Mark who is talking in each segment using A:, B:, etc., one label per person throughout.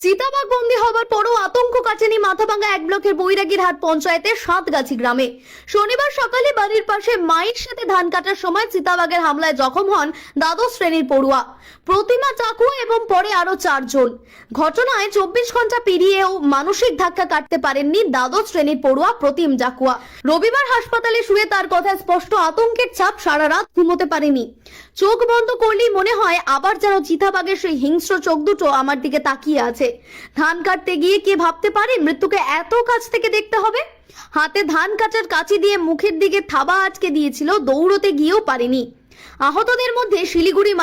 A: চিতাবাঘ বন্দী হবার পরও আতঙ্ক কাটেনি মাথাভাঙ্গা এক ব্লকের বৈরাগীরহাট পঞ্চায়েতের সাতগাছি গ্রামে। শনিবার সকালে বাড়ির পাশে মায়ের সাথে ধান কাটার সময় চিতাবাঘের হামলায় জখম হন দ্বাদশ শ্রেণীর পড়ুয়া প্রতিমা চাকুয়া এবং পরে আরো 4 জন। ঘটনায় 24 ঘন্টা পেরিয়েও মানসিক ধাক্কা কাটতে পারেননি দ্বাদশ শ্রেণীর পড়ুয়া প্রতিম চাকুয়া। রবিবার হাসপাতালে শুয়ে তার কথায় স্পষ্ট আতঙ্কের ছাপ, সারা রাত ঘুমোতে পারেনি। চোখ বন্ধ করলেই মনে হয় আবার যেন চিতাবাঘের সেই হিংস্র চোখ দুটো আমার দিকে তাকিয়ে আছে। ধান কাটতে গিয়ে কে ভাবতে পারে মৃত্যুকে এত কাছ থেকে দেখতে হবে। হাতে ধান কাটার কাঁচি দিয়ে মুখের দিকে থাবা আটকে দিয়েছিল, দৌড়তে গিয়েও পারেনি। আহতদের মধ্যে শিলিগুড়ি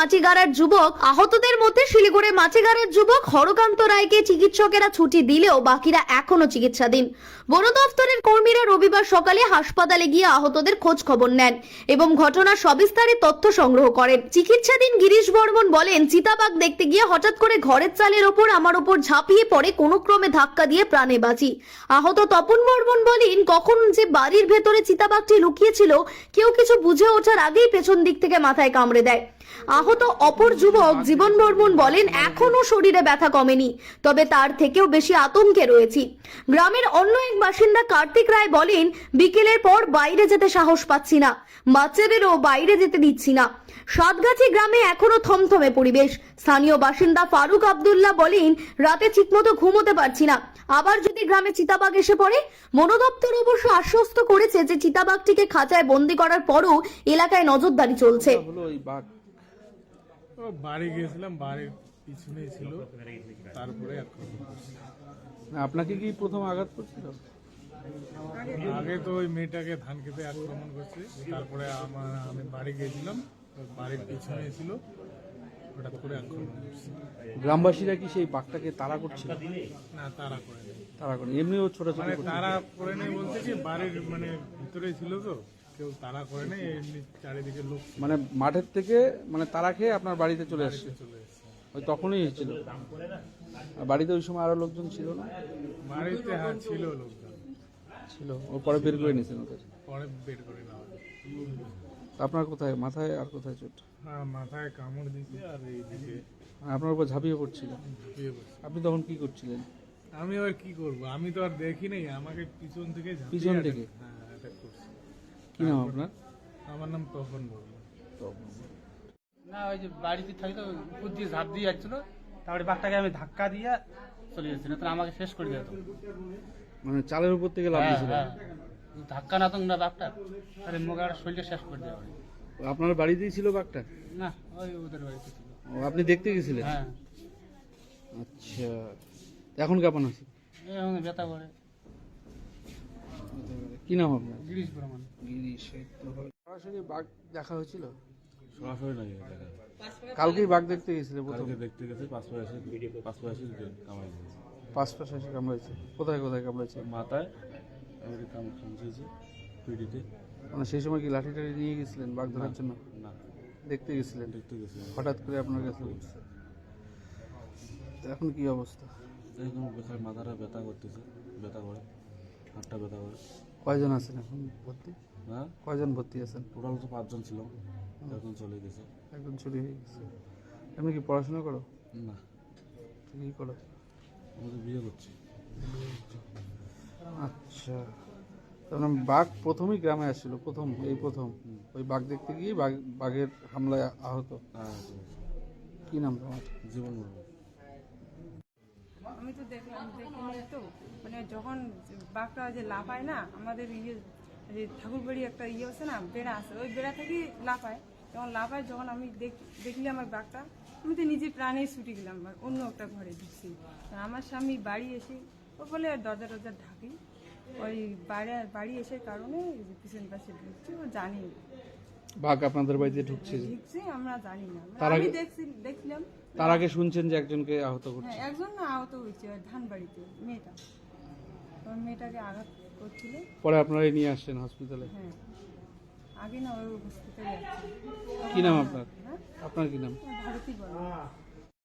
A: মাছিগাড়ার যুবক হরকান্ত রায়কে চিকিৎসকেরা ছুটি দিলেও বাকিরা এখনো চিকিৎসাধীন। বন দফতরের কর্মীরা রবিবার সকালে হাসপাতালে গিয়ে আহতদের খোঁজ খবর নেন এবং ঘটনার সবিস্তারে তথ্য সংগ্রহ করেন। চিকিৎসাধীন গিরিশ বর্মন বলেন, চিতাবাঘ দেখতে গিয়ে হঠাৎ করে ঘরের চালের ওপর আমার ওপর ঝাঁপিয়ে পড়ে, কোনো ক্রমে ধাক্কা দিয়ে প্রাণে বাঁচি। আহত তপন বর্মন বলেন, কখন যে বাড়ির ভেতরে চিতাবাঘটি লুকিয়েছিল কেউ কিছু বুঝে ওঠার আগেই পেছন দিক থেকে মাথায় কামড়ে দেয়। আহত অপর যুবক জীবন বর্মন বলেন, এখনো শরীরে ব্যথা কমেনি, তবে তার থেকেও বেশি আতঙ্কে রয়েছি। গ্রামের অন্য এক বাসিন্দা কার্তিক রায় বলেন, বিকেলের পর বাইরে যেতে সাহস পাচ্ছি না, বাচ্চাদেরও বাইরে যেতে দিচ্ছি না। সাতগাছি গ্রামে এখনো থমথমে পরিবেশ। স্থানীয় বাসিন্দা ফারুক আব্দুল্লাহ বলেন, রাতে ঠিকমতো ঘুমোতে পারছি না, আবার যদি গ্রামে চিতাবাঘ এসে পড়ে। বন দপ্তর অবশ্য আশ্বস্ত করেছে যে চিতাবাঘটিকে খাঁচায় বন্দী করার পরও এলাকায় নজরদারি চলছে।
B: বাড়ি গিয়েছিলাম, বাড়ির পিছনেই ছিল, তারপরে
C: আপনাকে কি প্রথম আঘাত করছিল?
B: আগে তো ওই মেয়েটাকে ধান খেতে আক্রমণ করছে, তারপরে আমি বাড়ি গিয়েছিলাম, বাড়ির পিছনেই ছিল, হঠাৎ করে আক্রমণ করছে।
C: গ্রামবাসীরা কি সেই বাঘটাকে তাড়া করছিল?
B: না, তারা করে নেই।
C: তাড়া করে এমনিও ছোট ছোট
B: তারা করে নেই বলতে কি, বাড়ির ভিতরেই ছিল তো, কেউ তারা করে নেই, এমনি চারিদিকে লোক
C: মানে মাঠের থেকে তাড়া খেয়ে আপনার বাড়িতে চলে আসছে?
B: চলে এসেছে।
C: ওই তখনই হয়েছিল? আর বাড়িতে ওই সময় আরো লোকজন ছিল না?
B: বাড়িতে ছিল লোকজন,
C: ছিল, ও পরে বের করে নিয়েছেন ওদের?
B: পরে বের করে নেওয়া হয়।
C: আপনার কোথায়, মাথায় আর কোথায় চোট?
B: হ্যাঁ, মাথায় কামড় দিছে আর এইদিকে
C: আপনার উপর ঝাঁপিয়ে পড়ছিল?
B: ঝাঁপিয়ে পড়ছে।
C: আপনি তখন কি করছিলেন?
B: আমি আর কি করব, আমি তো আর দেখি নাই, আমাকে পিছন থেকে
C: পিছন থেকে?
B: হ্যাঁ, অ্যাটাক করছে।
C: কি নাম আপনার?
B: আমার নাম তপন বর্মন।
D: না, ওই যে বাড়িতে থাকি তো উপর দিয়ে ঝাঁপ দিয়ে যাচ্ছিল, তারপরে বাঘটাকে আমি ধাক্কা দিয়ে চলে যাচ্ছি, না তো আমাকে শেষ করে দিত।
C: চালের উপর থেকে লাফ দিয়েছিল?
D: ধাক্কা না তো না বাঘটা, তাহলে মোগার শরীরটা শেষ করে দেওয়া।
C: আপনার বাড়িতেই ছিল বাঘটা?
D: না, ওই ওদের বাড়িতে ছিল।
C: ও, আপনি দেখতে গেছিলেন?
D: হ্যাঁ।
C: আচ্ছা, এখন কেমন আছে?
D: এই ব্যথা করে।
C: কি নাম আপনার?
D: গিরিশ বর্মন।
C: গিরিশ। সরাসরি বাঘ দেখা হয়েছিল?
E: সরাসরি নাই দেখা।
C: কালকেই বাঘ দেখতে গেছিল প্রথম?
E: কালকে দেখতে গেছে, পাঁচপাশে কামাই দিয়েছে।
C: পাশে কামড়াইছে? কোথায় কোথায় কামড়াইছে?
E: মাথায় কামড়িয়েছে, পিঠিতে।
C: সেই সময় কি লাঠি টাঠি নিয়ে গেছিলেন বাঘ ধরার জন্য?
E: না,
C: দেখতে গেছিলেন?
E: দেখতে গেছে।
C: হঠাৎ করে আপনার কাছে বলছে। তো এখন কি অবস্থা?
E: এখন মাথাটা ব্যথা করতেছে, ব্যথা করে, হাতটা ব্যথা করে।
C: কয়জন আছেন এখন ভর্তি?
E: হ্যাঁ,
C: কয়জন ভর্তি আছেন?
E: টোটাল তো 5 জন ছিলাম, এখন চলে গেছে।
C: একজন ছুটি হয়ে গেছে। এমনি কি পড়াশোনা করো?
E: না,
C: কি করো?
E: আমি তো বিয়ে করছি।
C: আচ্ছা, তার মানে বাঘ প্রথমেই গ্রামে আসছিল? প্রথম ওই বাঘ দেখতে গিয়ে বাঘের হামলায় আহত?
E: হ্যাঁ,
C: কি নাম তোমার?
E: জীবন বলবো।
F: আমি তো দেখলাম তো, যখন বাঘটা যে লাফায় না, আমাদের যে ঠাকুরবাড়ি একটা আছে না, বেড়া আছে, ওই বেড়া থেকে লাফায়। যখন আমি দেখলি আমার বাঘটা, আমি তো নিজে প্রাণেই ছুটে গেলাম, অন্য একটা ঘরে ঢুকছি। আমার স্বামী বাড়ি এসে ও বলে দরজা ঢাকি, ওই বাড়ি এসে কারণে পিছন পাশে ঢুকছি, ও জানি
C: বাঘ আপনাদের বাড়িতে ঢুকছে?
F: আমরা জানি না,
C: আমি
F: দেখলাম।
C: তার আগে শুনছেন যে একজনকে আহত করছে?
F: হ্যাঁ, একজন না আহত হয়েছে, ওই ধান বাড়িতে মেয়েটাকে আঘাত করছিল।
C: পরে আপনারাই নিয়ে আসছেন হসপিটালে?
F: হ্যাঁ, আগে না ওই হসপিটালে আছে।
C: কি নাম আপনার?
F: হ্যাঁ,
C: আপনার কি নাম?
F: ভারতী বলে।